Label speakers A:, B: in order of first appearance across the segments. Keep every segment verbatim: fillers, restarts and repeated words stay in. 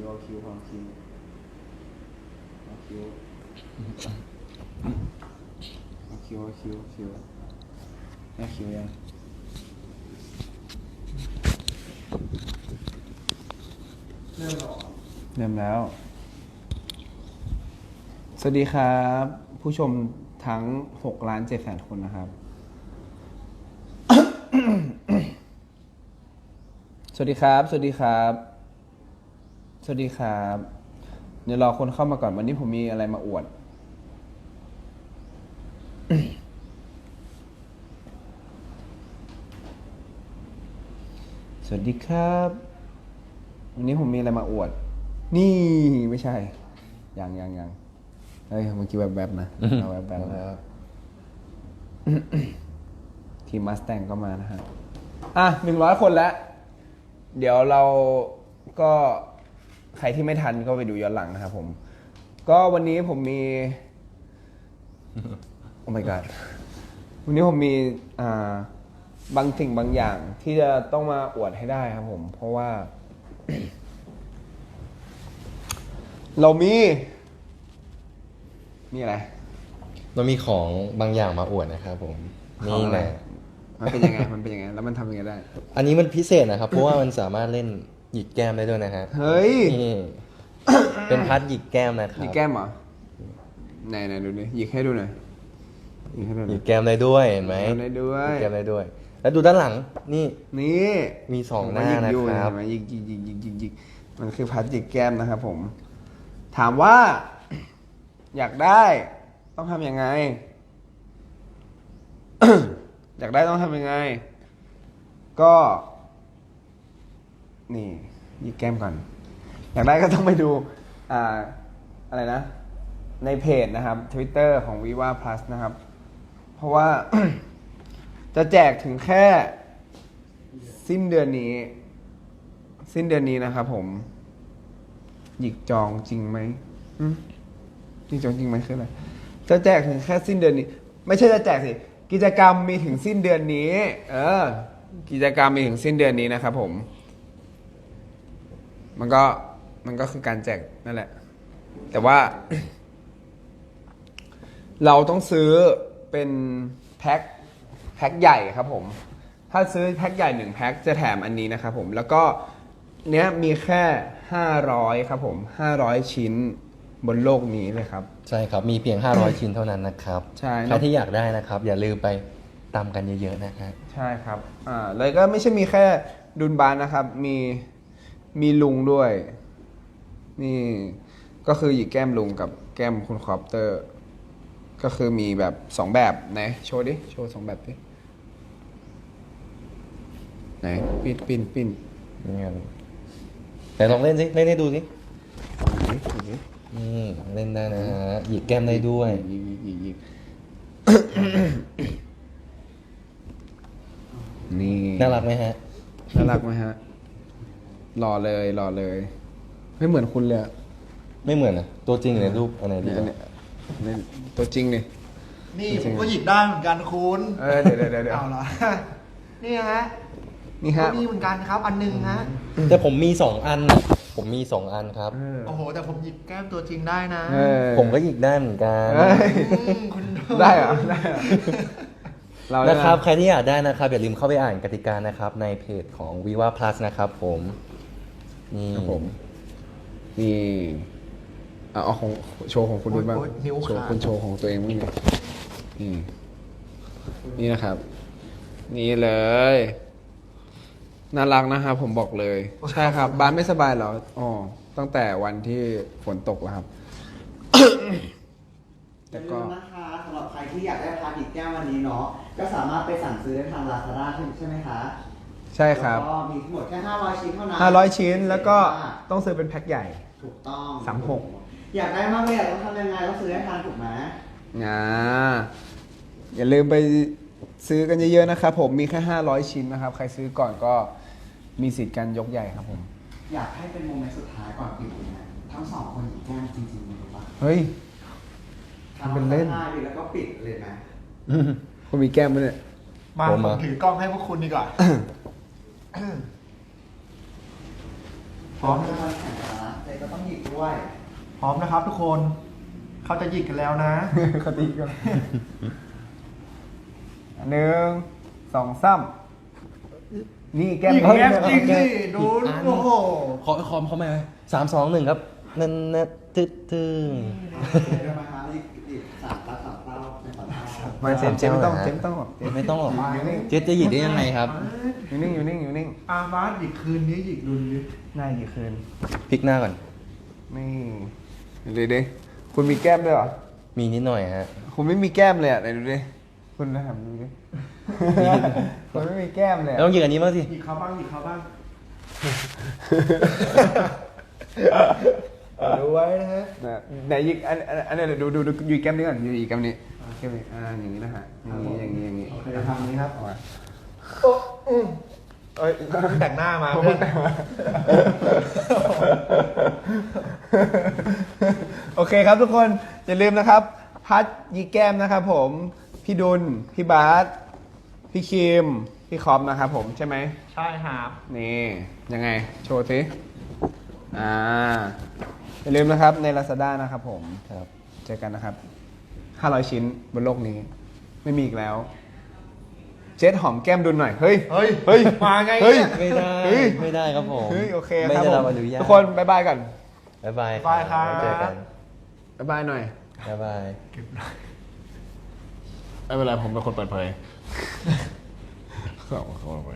A: คิวเอาคิวเอาคิวเอาคิวเอาคิวเอาคิวเอาคิวเอาคิวยังเริ่มหรอเริ่มแล้วสวัสดีครับผู้ชมทั้งหกล้านเจ็ดแสนคนนะครับ สวัสดีครับสวัสดีครับสวัสดีครับเดี๋ยวรอคนเข้ามาก่อนวันนี้ผมมีอะไรมาอวด สวัสดีครับวันนี้ผมมีอะไรมาอวดนี่ไม่ใช่ยังยังยังเฮ้ยเมื่อกี้แบบแบบนะเอาแบบแบบแล้ว ทีมมัสแตงก็มานะฮะอ่ะหนึ่งร้อยคนแล้ว เดี๋ยวเราก็ใครที่ไม่ทันก็ไปดูย้อนหลังนะครับผม ก็วันนี้ผมมี โอ้ my god วันนี้ผมมีอ่าบางสิ่งบางอย่างที่จะต้องมาอวดให้ได้ครับผม เพราะว่า เรามีมีอะไร
B: เรามีของบางอย่างมาอวดนะครับผม
A: ของ
B: นี่
A: อะไร
B: นะ
A: มันเป็นยังไงมันเป็นยังไงแล้วมันทำยังไงได้
B: อันนี้มันพิเศษนะครับ เพราะว่ามันสามารถเล่นหยิกแก้มได้ด้วยนะฮะ
A: เฮ้ย
B: นี่เป็นพัดหยิกแก้มนะครั
A: หยิ
B: บ
A: กแก้มเหรอไหนไหนดูดิหยิกให้ดูหน่อยหยิกให้ดูห
B: ห
A: น่
B: ยิ
A: อย
B: กแก้มได้ด้วยเห็นไหม
A: หยิกแก้มได้ด้วย
B: หยิกแก้มได้ด้วย แล้วดูด้านหลังนี่
A: นี่
B: มีสองหน้านะ
A: หยิกอยู่
B: ครับ
A: เห็นไหมหยิกหยิกหยิกหยิกหยิกหยิกมันคือพัดหยิกแก้มนะครับผม ถามว่า อยากได้ต้องทำยังไง อยากได้ต้องทำยังไง ก็ นี่หยิกแก้มก่อน อยากได้ก็ต้องไปดู อ่า อะไรนะ ในเพจนะครับ Twitter ของ Viva Plus นะครับ เพราะว่า จะแจกถึงแค่สิ้นเดือนนี้ สิ้นเดือนนี้นะครับผม หยิกจองจริงไหมอืมหยิกจองจริงไหมคืออะไร จะแจกถึงแค่สิ้นเดือนนี้ ไม่ใช่จะแจกสิ กิจกรรมมีถึงสิ้นเดือนนี้ เออ กิจกรรมมีถึงสิ้นเดือนนี้นะครับผม มันก็มันก็คือการแจกนั่นแหละ แต่ว่า เราต้องซื้อเป็นแพ็คแพ็คใหญ่ครับผม ถ้าซื้อแพ็คใหญ่หนึ่งแพ็คจะแถมอันนี้นะครับผม แล้วก็เนี้ยมีแค่ห้าร้อยครับผมห้าร้อยชิ้นบนโลกนี้เลยครับ
B: ใช่ครับ มีเพียง ห้าร้อย ชิ้นเท่านั้นนะครับ
A: ใช่
B: ใครที่อยากได้นะครับ อย่าลืมไปตามกันเยอะๆนะฮะ
A: ใช่ครับ อ่าเลยก็ไม่ใช่มีแค่ดุนบานนะครับ มีมีลุงด้วย นี่ก็คือหยิกแก้มลุงกับแก้มคุณคอปเตอร์ ก็คือมีแบบสองแบบไหนโชว์ดิ โชว์สองแบบดิ ไหนปิ้นปิ้นปิ้น
B: นี่ไงแต่ลองเล่นสิเล่นให้ดูสิ
A: ดูดิดูดิ
B: อืมเล่นได้นะฮะหยิกแก้มได้ด้วย
A: ยิกยิกยิกยิกนี่
B: น่ารักไหมฮะ
A: น่ารักไหมฮะหล่อเลยหล่อเลย ไม่เหมือนคุณเลยอะ
B: ไม่เหมือนนะตัวจริงในรูปอันไหนดี
A: เนี่ย
B: กว่า
A: เนี่ยเนี่ยตัวจริงนี่
C: นี่
A: จริ
C: ผ
A: ง
C: ม
A: ๆ
C: ก็หยิบได้เหมือนกันคุณ
A: เออเดี๋ยวเดี๋ยวเดี๋ยวเดี๋ยว
C: เอาเหรอ นี่ฮะ
A: นี่ฮะ
C: ก็มีเหมือนกันครับ อันหนึงฮะ
B: แต่ผมมีสองอันน่ะผมมีสองอันครับ
A: เออ
C: โอ้โห แต่ผมหยิบแก้มตัวจริงได้นะ
A: เออ
B: ผมก็หยิกได้เหมือนกัน
A: เอ้ย
C: อืมคุณ
A: ได้เหรอได้เหรอเราได้
B: นะครับ
A: ไหม
B: ใครที่อยากได้นะครับอย่าลืมเข้าไปอ่านกติกานะครับ ในเพจของ Viva Plus นะครับผมนี่
A: ครับผม นี่เอาเอาของโชว์ของคุณดูบ้าง
C: โอ๊ยนิ้ว
A: โชว์
C: ขาด
A: คุณโชว์ของตัวเองบ้างดินี่นี่นะครับ นี่เลย น่ารักนะครับผมบอกเลย ใช่ครับ บ้านไม่สบายเหรออ๋อตั้งแต่วันที่ฝนตกแล้วครับ
D: อย่าลืมนะคะสำหรับใครที่อยากได้พาร์ทอีกแก้ววันนี้เนาะก็สามารถไปสั่งซื้อได้ทาง Lazada ใช่ไหมคะ
A: ใช่ครับ
D: แล้วก็มีทั้งหมดแค่ห้าร้อยชิ้นเท่านั้น
A: ห้าร้อยชิ้นแล้วก็ต้องซื้อเป็นแพ็คใหญ่
D: ถูกต้อง
A: สามหก
D: อยากได้มากเลยอยากต้องทำยังไงต้องซื้อให้ทันถูกไหม
A: อ่าอย่าลืมไปซื้อกันเยอะๆนะครับผมมีแค่ห้าร้อยชิ้นนะครับ ใครซื้อก่อนก็มีสิทธิ์การยกใหญ่ครับผม
D: อยากให้เป็นโมเมนต์สุดท้ายก่อนปิดเลยนะทั้งสองคนหยิบแก้มจริงๆเลยปะ
A: เฮ้ย ทำเป็นเล่น
D: ทำดิแล้วก็ปิดเลยนะ
A: คุณมีแก้มไหมเนี่ย
C: มา
B: ผม
C: ผ
B: มา
C: มถือกล้องให้พวกคุณดีกว่า พร้อม
D: จะมาแข่งกันนะใจก็ต้องหยิกด้วย
C: พร้อมนะครับทุกคน เขาจะหยิกกันแล้วนะ
A: คติกันหนึ่งสองสามนี่แก้ม
C: หยิกแก้มจริงสิดู
B: อ่ะ
C: โอ้โห
B: ขอคอมเขาไหมสามสองหนึ่งครับนั่นนะตึ๊ดตึ๊ง
D: เดี๋ยวมาหาหยิกหยิกสามตาสามเต้าในสามเต้า
A: ไมาเจมส์เจมส์ไม่ต้องเจมส์ไม่ต้องหรอกเจมส์
B: ไม่ต้องหรอก
A: อยู่นิ่ง
B: เจ๊จะหยิบได้ยังไงครับ
A: อยู่นิ่งอยู่นิ่งอยู่นิ่ง
C: อามาหยิกคืนนี้หยิกดุนนี้
A: ได้กี่คืน
B: พลิกหน้าก่อน
A: นี่เดี๋ยวดิคุณมีแก้มด้วยเหรอ
B: มีนิดหน่อยฮะ
A: คุณไม่มีแก้มเลยอ่ะไหนดูดิคุณนะครับดูดิคุณไม่มีแก้มเลย
B: แล้วต้องหยิบอันนี้บ้างสิ
C: หยิกเขาบ้างหยิกเขาบ้าง ดูไว้นะฮะ
A: นะไหนยิกอันอันอันนี้ดูดูดูอยู่แก้มนี้ก่อนอยู่อีกแก้มนี้แก้มนี้อ่าอย่างนี้นะฮะอย่างนี้อย่างนี้อย่างนี้
C: โอเคทำนี้ครับ
A: เอามา
C: โอ้อืมเอ้ยเพิ่งแต่งหน้ามาเพื่อน
A: โอเคครับทุกคนอย่าลืมนะครับพัดยีแก้มนะครับผมพี่ดุลพี่บาสพี่คิมพี่คอมนะครับผมใช่ไหม
C: ใช่ครับ
A: นี่ยังไงโชว์สิอ่าอย่าลืมนะครับใน Lazada นะครับผม
B: ครับ
A: เจอกันนะครับห้าร้อยชิ้นบนโลกนี้ไม่มีอีกแล้ว เจ็ดหอมแก้มดุลหน่อยเฮ้ย
C: เฮ้ย
A: เฮ้ย
C: มาไง
A: เฮ้ย
C: เนี่ย
B: ไม่ได้
A: เฮ้ย
B: ไม่ได้ครับผม
A: เฮ้ยโอเค
B: ไม่
A: ครับ
B: ได้
A: ผ
B: รับ
A: ม
B: อนุญาต
A: ทุกคนบ๊ายบายก่อน
B: บ๊ายบาย
C: บ๊ายบายครับ
B: เจอกัน
A: บ๊ายบายหน่อย
B: บ๊ายบาย
A: ไม่เป็นไรผมเป็นคนเปิดเผยขอบคุณไป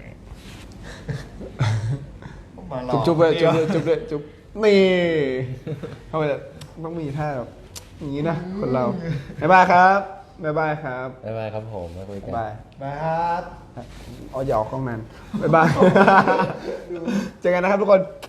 C: มาหลอก
A: จุ๊บจุ๊บเลยจุ๊บ
C: นี่
A: เลยจุ๊บเลยจุ๊บนี่ทำไมต้องมีท่าแบบอย่างนี้นะคนเราบ๊ายบายครับบ๊ายบายครับ
B: บ๊ายบายครับผมมาคุยกั
A: บ๊าน ยบาย
C: บายครับ
A: อ๋ออย่าออกกล้องนั้นบ๊ายบายเจอกันนะครับทุกคน